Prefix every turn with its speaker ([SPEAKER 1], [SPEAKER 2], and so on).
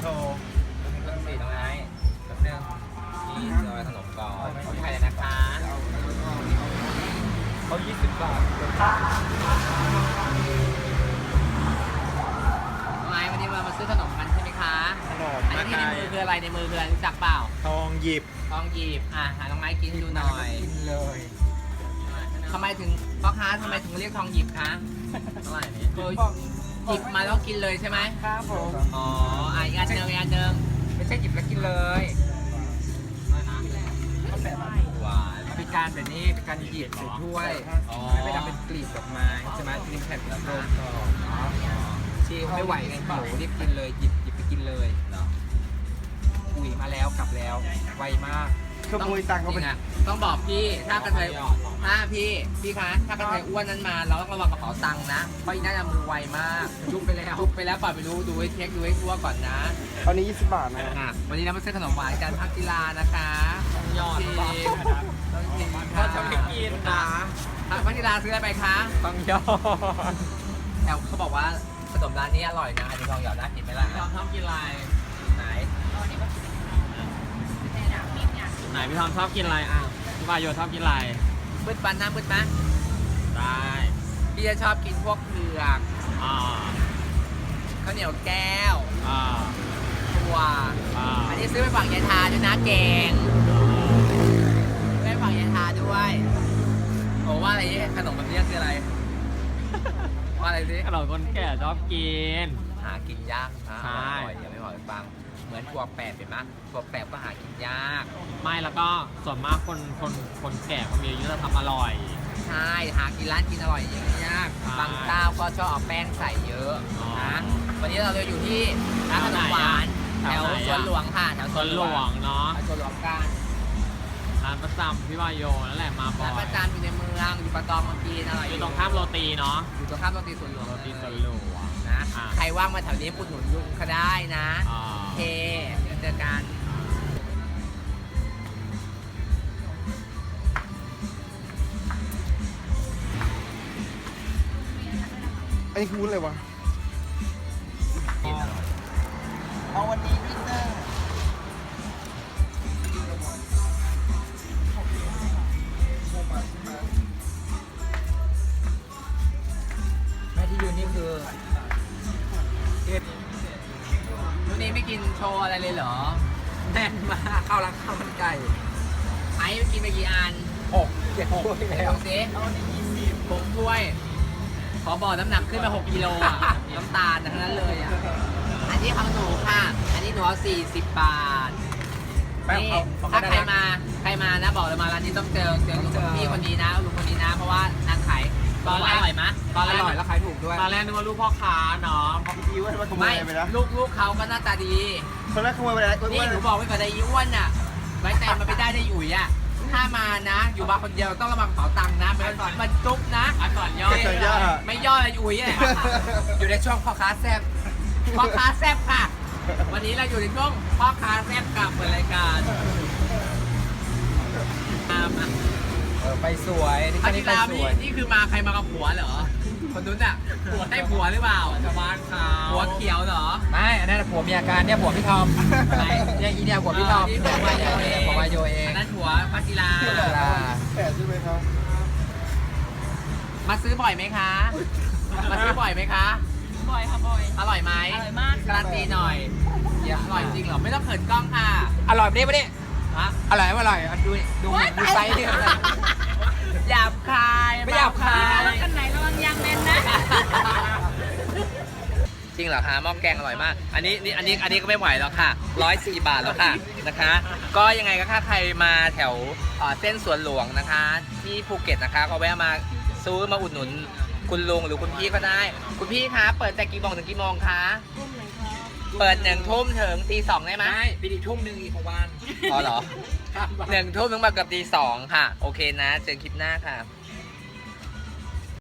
[SPEAKER 1] โชว์
[SPEAKER 2] เรื่องสีตรงไหนแป๊บนึงนี่รอยขนมก่อนของไทยเลยนะคะ
[SPEAKER 1] เขา20 บาท
[SPEAKER 2] น้องไอ้วันนี้มาซื้อขนมกันใช่ไหมคะ
[SPEAKER 1] ขนม
[SPEAKER 2] อันนี้ที่ในมือคืออะไรในมือคืออะไรรู้จักเปล่า
[SPEAKER 1] ทองหยิบ
[SPEAKER 2] ทองหยิบหาน้องไม้กินดูหน่อย
[SPEAKER 1] กินเลย
[SPEAKER 2] ทำไมถึงพ่อค้าทำไมถึงเรียกทองหยิบคะเท่าไหร่นี่คือหยิบมาแล้วกินเลยใช่ไหม
[SPEAKER 1] ครับผม
[SPEAKER 2] อ๋ออีกอันหนึ่งอีกอันหนึ่ง
[SPEAKER 1] ไม่ใช่หยิบแล้วกินเลย
[SPEAKER 2] หวาน
[SPEAKER 1] เป็นการแบบนี้เป็นการหยิบใส่ถ้วย
[SPEAKER 2] อ๋อ
[SPEAKER 1] ไม่ได้ทำเป็นกลีบดอกไม้ใช่ไหมริมแผ่นกระโดดต่อชีไม่ไหวไงหิวรีบกินเลยหยิบไปกินเลยอุ้ยมาแล้วกลับแล้วไวมากขโมยตังค์เขาไป
[SPEAKER 2] จริงอะต้องบอกพี่ถ้ากระเทยถ้าพี่คะถ้ากระเทยอ้วนนั้นมาเราต้องระวังกระเป๋าตังค์นะเพราะอีน่าจะมือไวมากจุบไปแล้วปล่อยไปรู้ดูให้เช็คดูให้ทั่วก่อนนะ
[SPEAKER 1] ตอนนี้20 บาทนะ
[SPEAKER 2] วันนี้เรามาซื้อขนมหวานกันพักกีฬานะคะยอดต้องชิม
[SPEAKER 1] เขาจะไม่กินนะ
[SPEAKER 2] พักกีฬาซื้ออะไรไปคะ
[SPEAKER 1] ต้องยอด
[SPEAKER 2] แต่เขาบอกว่าขนมร้านนี้อร่อยนะอันนี้ทองหยอดน่ากินไหมล่ะชอบกินอะไรไหน
[SPEAKER 3] ไหนพี่ทอมชอบกินอะไรอ่ะพี่วายโยชอบกินอะไร
[SPEAKER 2] มืดปันน้ำมืดไหม
[SPEAKER 3] ได้
[SPEAKER 2] พี่จะชอบกินพวกเผือก
[SPEAKER 3] อ่า
[SPEAKER 2] ข้าวเหนียวแก้ว
[SPEAKER 3] อ่า
[SPEAKER 2] ถั่ว
[SPEAKER 3] อ่า
[SPEAKER 2] อันนี้ซื้อไปฝากยายทาด้วยนะแกงซื้อไปฝากยายทาด้วยโอ้ว่าอะไรเนี่ยขนมแบบนี้คืออะไร ว่าอะไรสิ
[SPEAKER 3] ขนมคนแก่ชอบกิน
[SPEAKER 2] หากินยากนะ
[SPEAKER 3] ใช่
[SPEAKER 2] อร่อยอย่าไม่บอกให้ฟังเหมือนถั่วแปบเห็นไหมถั่วแปบก็หากินยาก
[SPEAKER 3] ไม่แล้วก็ส่วนมากคนแก่เขามีอายุจะทำอร่อย
[SPEAKER 2] ใช่หากินร้านกินอร่อยอย่างนี้ยาก
[SPEAKER 3] ใช่
[SPEAKER 2] บางเจ้าก็ชอบเอาแป้งใส่เยอะ
[SPEAKER 3] อ๋อ
[SPEAKER 2] นะวันนี้เราเลยอยู่ที่ร้านขนมหวานแถ
[SPEAKER 3] แถ
[SPEAKER 2] ว
[SPEAKER 3] วไหนอะ
[SPEAKER 2] สวนหลวงค่ะแถว
[SPEAKER 3] สวนหลวงเนาะ
[SPEAKER 2] สวนหลวงกัน
[SPEAKER 3] ร้านประจำพี่วายโยนั่นแหละมาบ่อ
[SPEAKER 2] ร้าน
[SPEAKER 3] ย
[SPEAKER 2] ประจำอยู่ในเมืองอยู่ปะตองเมืองจีนอร่อย
[SPEAKER 3] อยู่ตรงข้ามโรตีเนาะ
[SPEAKER 2] อยู่ตรงข้ามโรตีสวนหลวง
[SPEAKER 3] โรตีสวนหลวง
[SPEAKER 2] นะ
[SPEAKER 3] อ่า
[SPEAKER 2] ใครว่างมาแถวนี้ปุดหนุนยุงก็ได้นะ
[SPEAKER 3] อ่า
[SPEAKER 2] โอเคเดี๋ยวเจอกัน
[SPEAKER 1] อันนี้คือวุ้นอะไรวะเอาวันนี้พิซซ่า
[SPEAKER 2] แม่ที่ยืนนี่คือวันนี้ไม่กินโชว์อะไรเลยเหรอ
[SPEAKER 1] แน่นมากข้าวร้านข้าวมันไก่
[SPEAKER 2] ไอ้กินไปกี่อัน
[SPEAKER 1] 7 ถ้วยแล้ว
[SPEAKER 2] ดูสิ6 ถ้วย ขอบอกน้ำหนักขึ้นมา6 กิโลอ่ะ น้ำตาลทั้งนั้นเลยอ่ะ อันนี้ของหนูค่ะ อันนี้หนูเอา40 บาท
[SPEAKER 1] แป้ง
[SPEAKER 2] นี่
[SPEAKER 1] เขา
[SPEAKER 2] ถ้า
[SPEAKER 1] ได้
[SPEAKER 2] ใคร
[SPEAKER 1] นะ
[SPEAKER 2] มานะบอกเลยมาร้านนี้ต้องเจอลุงพี่คนนี้นะลุงคนนี้นะ เพราะว่านางขายตอนแรกอร่อยไหม
[SPEAKER 3] ตอนแร
[SPEAKER 1] อก ร่อยแล้วขายถูกด้วย
[SPEAKER 3] ตอนแรกนึกว่าลูกพ่อค้าเนาะ
[SPEAKER 1] อีอ้วนมาขโม
[SPEAKER 2] ไม่
[SPEAKER 1] ยไปแล้ว
[SPEAKER 2] ลูกเขาก็หน้าตาดี
[SPEAKER 1] คนแรกขโมยไปแล้ว
[SPEAKER 2] นี่หนูบอกไว้ก่อนเลยอีอ้วนน่ะ ไว้ใจมันไม่ได้ได้อุ๋ยอ่ะ ถ้ามานะ อยู่มาคนเดียวต้องระวังเป๋าตังค์นะมันจุ๊บนะ
[SPEAKER 3] อันก่อนย่อ
[SPEAKER 1] เกิดยาก
[SPEAKER 2] ไม่ย่อเลยอุ๋ยเลยอยู่ในช่วงพ่อค้าแซ่บพ่อค้าแซ่บค่ะ วันนี้เราอยู่ในช่วงพ่อค้าแซ่บกับเปิดรายการ
[SPEAKER 1] ไปสวยที่
[SPEAKER 2] อัน
[SPEAKER 1] นี่
[SPEAKER 2] นี้
[SPEAKER 1] ไป
[SPEAKER 2] ราม
[SPEAKER 1] ส
[SPEAKER 2] นี่
[SPEAKER 1] วย
[SPEAKER 2] นี่คือมาใครมากับผัวเหรอ คนนู้นอ่ะได้ผัวหรือเปล่า
[SPEAKER 3] ชาวบ้านเขา
[SPEAKER 2] ผัวเขียวเหรอ
[SPEAKER 1] ไม่อันนั้นผัวเมียการเนี่ยผัวพี่ทอม
[SPEAKER 2] ไหน
[SPEAKER 1] เนี่ยอีเนี่ยผัวพี่ทอม
[SPEAKER 2] นี่ผัววายโยเอง
[SPEAKER 1] ผัววายโยเอง
[SPEAKER 2] อันนั้นผัวพัชิรา
[SPEAKER 1] แต่ใช่ไหมครับ
[SPEAKER 2] มาซื้อบ่อยไหมคะ มาซื้อบ่อยไหมคะ
[SPEAKER 4] บ่อยค่ะบ่อย
[SPEAKER 2] อร่อยไหม
[SPEAKER 4] อร่อยมาก
[SPEAKER 2] การันตีหน่อยอร่อยจริงเหรอ ไม่ต้องเขินกล้องค่ะ
[SPEAKER 1] อร่อยปะเนี่ย
[SPEAKER 2] ฮะ
[SPEAKER 1] อร่อยไม่อร่อยดูไซส์ดิ
[SPEAKER 2] หยาบคาย
[SPEAKER 1] ไม่หยาบคาย
[SPEAKER 4] ระวังกันไหนระวังยางแน่นนะ
[SPEAKER 2] จริงเหรอคะหม้อแกงอร่อยมาก อันนี้ก็ไม่ไหวแล้วค่ะ104 บาทแล้วค่ะนะคะ ก็ยังไงก็ถ้าใครมาแถวเส้นสวนหลวงนะคะ ที่ภูเก็ตนะคะก็แวะมาซื้อมาอุดหนุนคุณลุงหรือคุณพี่ก็ได้ คุณพี่คะเปิดแต่กี่โมงถึงกี่โมงคะเปิด1 ทุ่มถึงตี 2ได้ไหม
[SPEAKER 1] ไม่ปีนี้ทุ่มหนึ่งอีกของวัน
[SPEAKER 2] อ๋อเหรอ1 ทุ่มถึงมาเกือบตี 2ค่ะ โอเคนะ เจอคลิปหน้าค่ะ